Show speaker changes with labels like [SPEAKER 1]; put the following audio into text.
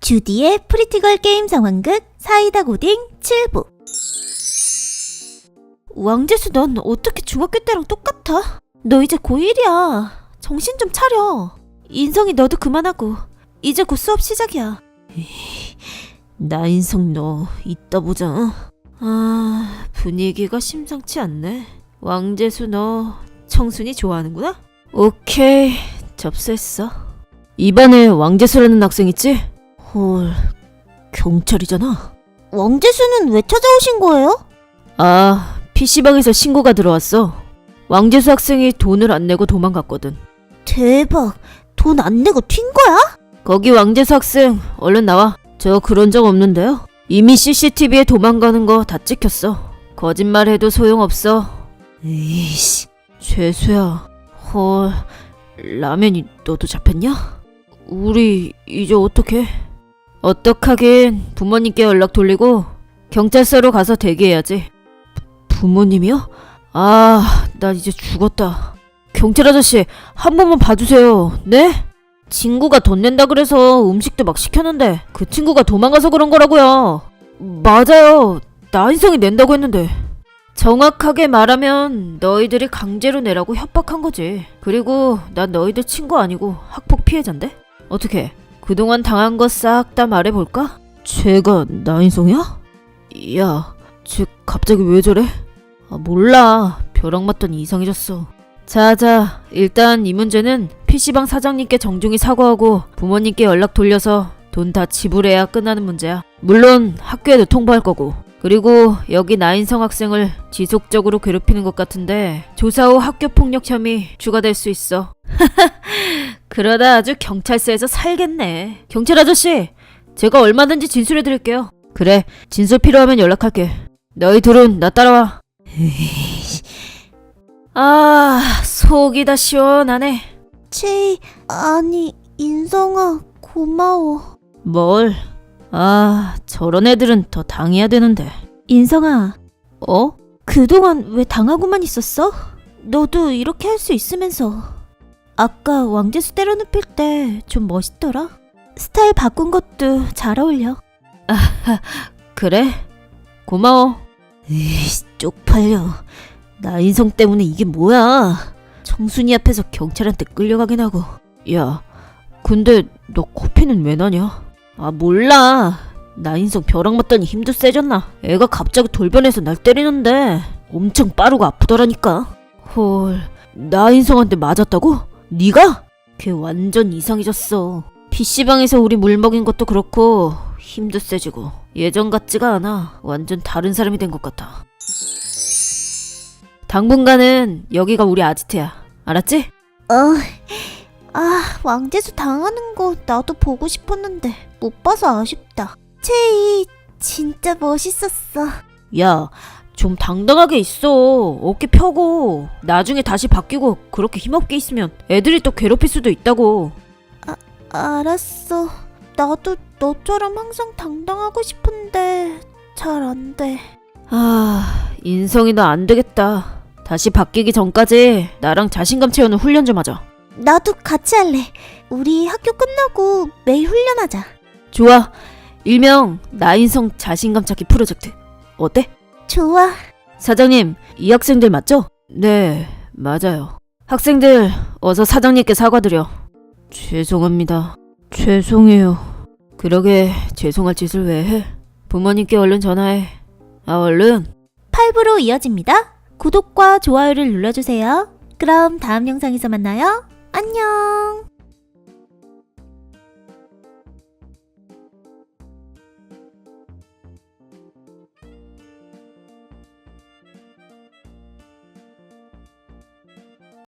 [SPEAKER 1] 주디의 프리티걸 게임 상황극 사이다 고딩 7부. 왕재수, 넌 어떻게 중학교 때랑 똑같아? 너 이제 고1이야. 정신 좀 차려. 인성이 너도 그만하고 이제 곧 수업 시작이야. 나인성 너 이따 보자. 분위기가 심상치 않네. 왕재수 너 청순이 좋아하는구나? 오케이, 접수했어. 이반에 왕재수라는 학생 있지? 헐, 경찰이잖아. 왕재수는 왜 찾아오신 거예요? PC방에서 신고가 들어왔어. 왕재수 학생이 돈을 안 내고 도망갔거든. 대박, 돈 안 내고 튄 거야? 거기 왕재수 학생 얼른 나와. 저 그런 적 없는데요. 이미 CCTV에 도망가는 거 다 찍혔어. 거짓말해도 소용없어. 에이씨, 재수야. 헐, 라면이 너도 잡혔냐? 우리 이제 어떡해? 어떡하긴, 부모님께 연락 돌리고 경찰서로 가서 대기해야지. 부모님이요? 나 이제 죽었다. 경찰 아저씨, 한 번만 봐주세요. 네? 친구가 돈 낸다 그래서 음식도 막 시켰는데 그 친구가 도망가서 그런 거라고요. 맞아요. 나인성이 낸다고 했는데. 정확하게 말하면 너희들이 강제로 내라고 협박한 거지. 그리고 난 너희들 친구 아니고 학폭 피해자인데? 어떻게 그동안 당한 거 싹 다 말해볼까? 쟤가 나인성이야? 야, 쟤 갑자기 왜 저래? 몰라. 벼락 맞더니 이상해졌어. 자, 일단 이 문제는 PC방 사장님께 정중히 사과하고 부모님께 연락 돌려서 돈 다 지불해야 끝나는 문제야. 물론 학교에도 통보할 거고. 그리고 여기 나인성 학생을 지속적으로 괴롭히는 것 같은데 조사 후 학교폭력 혐의 추가될 수 있어. 그러다 아주 경찰서에서 살겠네. 경찰 아저씨, 제가 얼마든지 진술해드릴게요. 그래, 진술 필요하면 연락할게. 너희 둘은 나 따라와. 속이 다 시원하네. 아니, 인성아, 고마워. 뭘? 저런 애들은 더 당해야 되는데. 인성아. 그동안 왜 당하고만 있었어? 너도 이렇게 할 수 있으면서. 아까 왕재수 때려눕힐 때 좀 멋있더라. 스타일 바꾼 것도 잘 어울려. 그래? 고마워. 쪽팔려. 나인성 때문에 이게 뭐야. 청순이 앞에서 경찰한테 끌려가긴 하고. 야, 근데 너 코피는 왜 나냐? 몰라. 나인성 벼락 맞더니 힘도 세졌나. 애가 갑자기 돌변해서 날 때리는데 엄청 빠르고 아프더라니까. 헐, 나인성한테 맞았다고? 네가? 걔 완전 이상해졌어. PC방에서 우리 물 먹인 것도 그렇고 힘도 세지고 예전 같지가 않아. 완전 다른 사람이 된 것 같아. 당분간은 여기가 우리 아지트야. 알았지? 왕재수 당하는 거 나도 보고 싶었는데 못 봐서 아쉽다. 체이 진짜 멋있었어. 야, 좀 당당하게 있어. 어깨 펴고. 나중에 다시 바뀌고 그렇게 힘없게 있으면 애들이 또 괴롭힐 수도 있다고. 알았어. 나도 너처럼 항상 당당하고 싶은데 잘 안 돼. 인성이 너 안 되겠다. 다시 바뀌기 전까지 나랑 자신감 채우는 훈련 좀 하자. 나도 같이 할래. 우리 학교 끝나고 매일 훈련하자. 좋아. 일명 나인성 자신감 찾기 프로젝트. 어때? 좋아. 사장님, 이 학생들 맞죠? 네, 맞아요. 학생들, 어서 사장님께 사과드려. 죄송합니다. 죄송해요. 그러게 죄송할 짓을 왜 해? 부모님께 얼른 전화해. 얼른. 8부로 이어집니다. 구독과 좋아요를 눌러주세요. 그럼 다음 영상에서 만나요. 안녕.